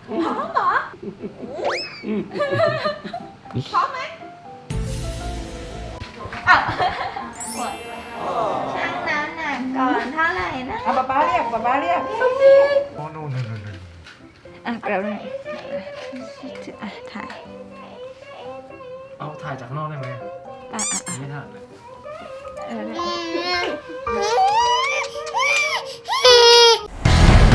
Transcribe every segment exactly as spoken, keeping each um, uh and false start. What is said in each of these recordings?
พร้อมเหรอพร้อมไหมอ่ะช่างน้ำหนักก่อนเท่าไหร่นะอ่ะป๊าป๊าเรียกป๊าป๊าเรียกโอ้โนโนโนอ่ะเดี๋ยวเลยอ่ะถ่ายเอาถ่ายจากข้างนอกได้ไหมอ่ะอ่ะอ่ะไม่ถ่ายเลยเออ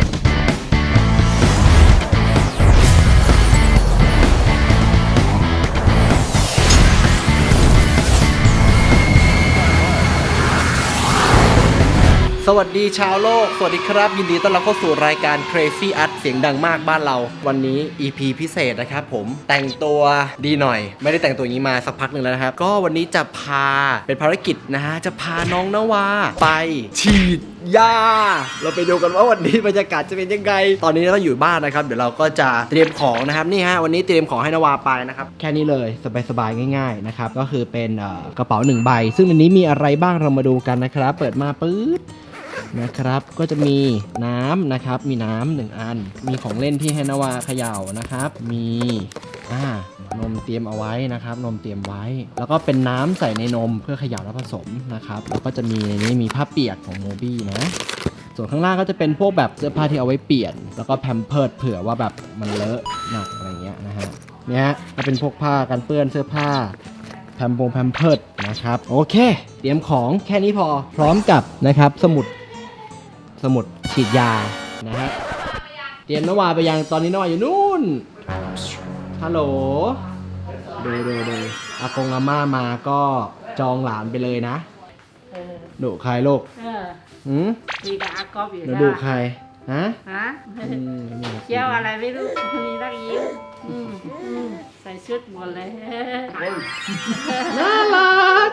สวัสดีชาวโลกสวัสดีครับยินดีต้อนรับเข้าสู่รายการ Crazy Art เสียงดังมากบ้านเราวันนี้ อี พี พิเศษนะครับผมแต่งตัวดีหน่อยไม่ได้แต่งตัวอย่างนี้มาสักพักหนึ่งแล้วนะครับก็วันนี้จะพาเป็นภารกิจนะฮะจะพาน้องนวาไปฉีดยาเราไปดูกันว่าวันนี้บรรยากาศจะเป็นยังไงตอนนี้เราอยู่บ้านนะครับเดี๋ยวเราก็จะเตรียมของนะครับนี่ฮะวันนี้เตรียมของให้นวาไปนะครับแค่นี้เลยสบายๆง่ายๆนะครับก็คือเป็นกระเป๋าหนึ่งใบซึ่งอันนี้มีอะไรบ้างเรามาดูกันนะครับเปิดมาปื๊ดนะครับก็จะมีน้ำนะครับมีน้ำหนึ่งอันมีของเล่นที่ให้นวาเขย่านะครับมีอ่านมเตรียมเอาไว้นะครับนมเตรียมไว้แล้วก็เป็นน้ำใส่ในนมเพื่อเขย่าและผสมนะครับแล้วก็จะมีในนี้มีผ้าเปียกของโมบี้นะส่วนข้างล่างก็จะเป็นพวกแบบเสื้อผ้าที่เอาไว้เปลี่ยนแล้วก็แพมเพิร์ดเผื่อว่าแบบมันเลอะหนักอะไรเงี้ยนะฮะเนี่ยก็เป็นพวกผ้ากันเปื้อนเสื้อผ้าแพมโปงแพมเพิร์ดนะครับโอเคเตรียมของแค่นี้พอพร้อมกับนะครับสมุดสมุดฉีดยานะฮะเตรียมนวาไปยังตอนนี้นวาอยู่นู่นฮัลโหลดูดูดูอากงอาม่ามาก็จองหลานไปเลยนะดุใครลูกเออหืมดีกับอากอบอยู่หนูนะดุใครฮะฮะอืมไม่มีเที่ยวอะไรไม่รู้มีรักยิ้มอืมอืมใส่ชุดหมดเลยน่ารัก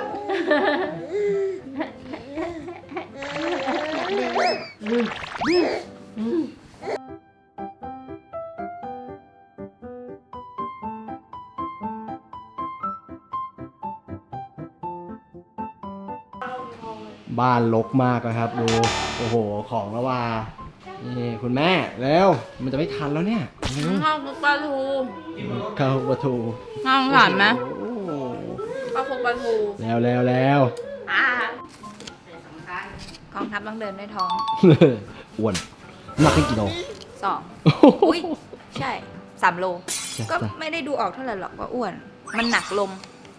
บ้านรกมากนะครับดูโอ้โหของแล้วว่านี่คุณแม่เร็วมันจะไม่ทันแล้วเนี่ยข้าวคลุกปลาทูข้าวปลาทูน่าสงสารไหมโอ้โหข้าวคลุกปลาทูแล้วแล้วแล้วอ่ากองทัพต้องเดินด้วยท้องอ้วนหนักขึ้นกี่โลสองอุ้ยใช่สามโล ก็ไม่ได้ดูออกเท่าไหร่หรอกว่าอ้วน มันหนักลม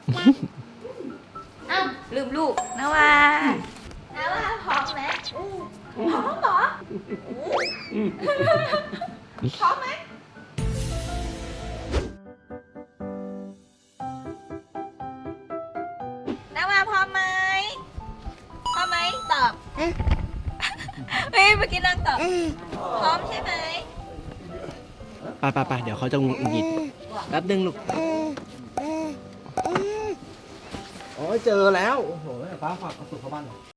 อ้าวลืมลูกนะว่านะว่าพร้อมไหมพร้อมเหรอพร้อมไหมนะว่าพร้อมไหมพร้อมไหมตอบเฮ้ยเมื่อกี้นางตอบพร้อมใช่ไหมไปไปไปเดี๋ยวเขาจะหงุดหงิดแป๊บนึงลูกโอ้ยเจอแล้วโอ้โหป้าฝากเอาสุกเข้าบ้านหน่อย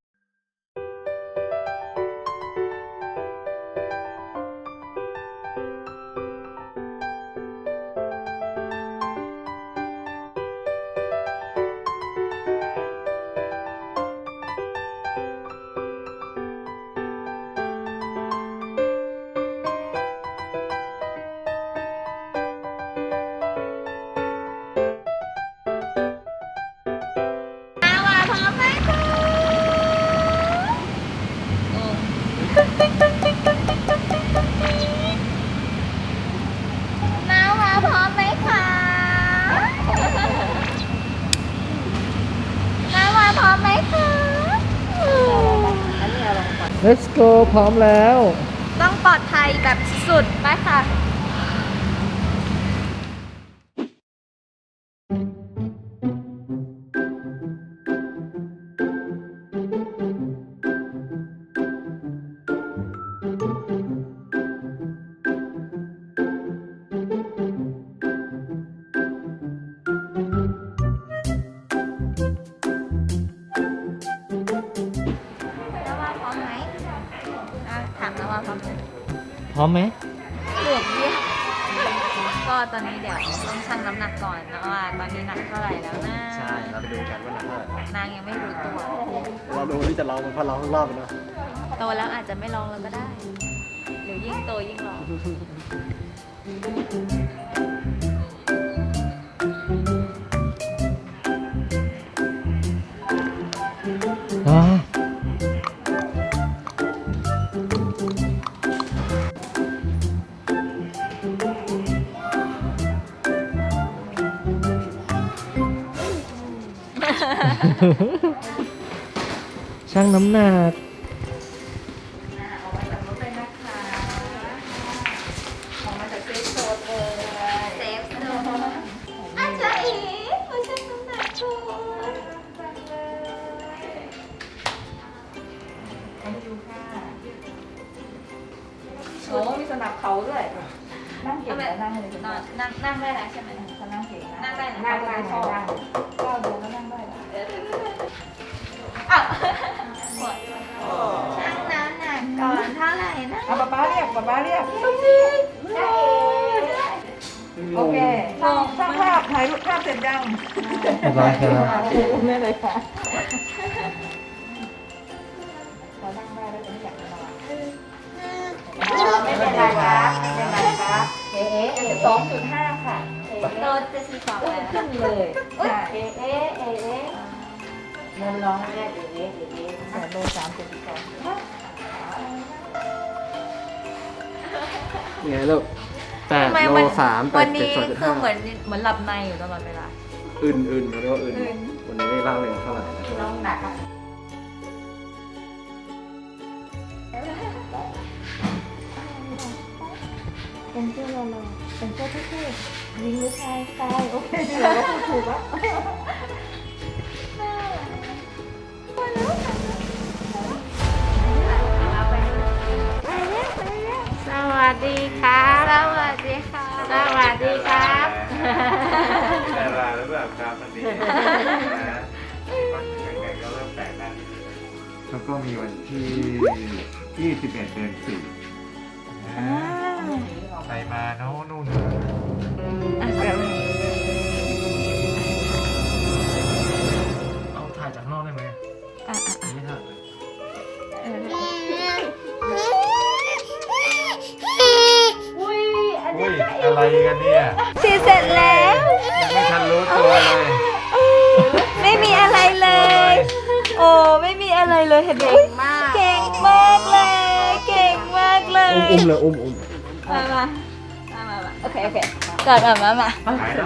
น้าวาพร้อมไหมคะน้าวาพร้อมไหมคะ Let's go พร้อมแล้วต้องปลอดภัยแบบสุดไปค่ะ น้าวาพร้อมไหมอ่ะถามน้าวาพร้อมไหมพร้อมไหมเหลือบเดียวก็ตอนนี้เดี๋ยวต้องชั่งน้ำหนักก่อนนะว่าตอนนี้หนักเท่าไหร่แล้วนะใช่เราไปดูกันว่าหนักเท่าไหร่นางยังไม่รู้ตัวเราดูที่จะลองมันพอลองรอบไปเนาะโตแล้วอาจจะไม่ลองแล้วก็ได้ หรือยิ่งโตยิ่งลองอ๋อช่างน้ำหนักออกมาจากรถเลยนะคะออกมาจากเซฟโซนเลยเซฟโซนอาจารย์อีมาชั่งน้ำหนักก่อนไปดูค่ะโอ้มีสนับเขาด้วยนั่งเก่งแล้วนั่งเลยนอนนั่งนั่งได้แล้วใช่ไหมเขานั่งเก่งนะนั่งได้นะนั่งได้นั่งได้ก้าวเดินแล้วนั่งได้แล้วอ้าวชั่งน้ำหนักก่อนเท่าไหร่นะเอาป๊าป๊าเรียกป๊าป๊าเรียกได้โอเคช่างช่างภาพถ่ายรูปภาพเสร็จยังเรียบร้อยครับไม่เลยค่ะพอนั่งได้แล้วจะไม่อยากจะนอนไม่เป็นไรครับไม่เป็นไรครับเอ๊ะสองจุดห้าค่ะโดนจะสีขาวแล้วขึ้นเลยเอ๊ะเอ๊ะเอ๊ะเอ๊ะเงินร้องเอ๊ะเอ๊ะเอ๊ะเอ๊ะแต่โดนสามจุดสองไงลูกแปดทำไมโลวันสามแปวัดนเจ็ดนี้สองจุดคืห้าอเหมือนเหมือนหลับในอยู่ตลอดเวลาอื่นอื่นเขาเรียกว่าอื่นอื่นวันนี้ไม่ร่าเริงเท่าไหร่น้องหนักอ่ะ เป็นเสื้อเราเลยเป็นเสื้อเท่ๆยิงหรือชายชายโอเคเราก็พูดถูกแล้วสวัสดีครับสวัสดีค่ะสวัสดีครับแต่ลาหรือเปล่าครับมันดีนะวันยังไงก็เริ่มแปลกหน้านิดนึงแล้วก็มีวันที่ยี่สิบเอ็ดเดือนสี่ใครมาโน่นนู่นอ่ะเดี๋ยวเอาถ่ายจากนอกได้ไหมอ่ะอ่ะไม่ถ่ายเอออุ้ยอะไรกันเนี่ยฉีดเสร็จแล้วยังไม่ทันรู้ตัวเลยไม่มีอะไรเลย โอ้ไม่มีอะไรเลยเห็นไหมเก่งมากเก่งมากเลย เก่งมากเลยอุ้มอุ้มเลยอุ้มอุ้มมามามามามาโอเคโอเคก่อนมามามาหายแล้ว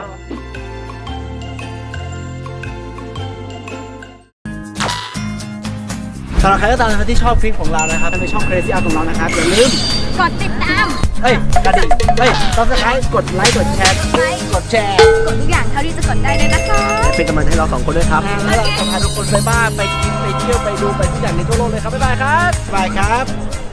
สำหรับใครก็ตามนะครับที่ชอบคลิปของเรานะครับในช่อง Crazy Art ของเรานะครับอย่าลืมกดติดตามเฮ้ยกระดิ่งเฮ้ยต้องสไครต์กดไลค์กดแชร์กดแชร์กดทุกอย่างเท่าที่จะกดได้เลยนะคะเป็นกำลังใจให้เราสองคนด้วยครับแล้วเราจะพาทุกคนไปบ้านไปกินไปเที่ยวไปดูไปทุกอย่างในทั่วโลกเลยครับบ๊ายบายครับบ๊ายบายครับ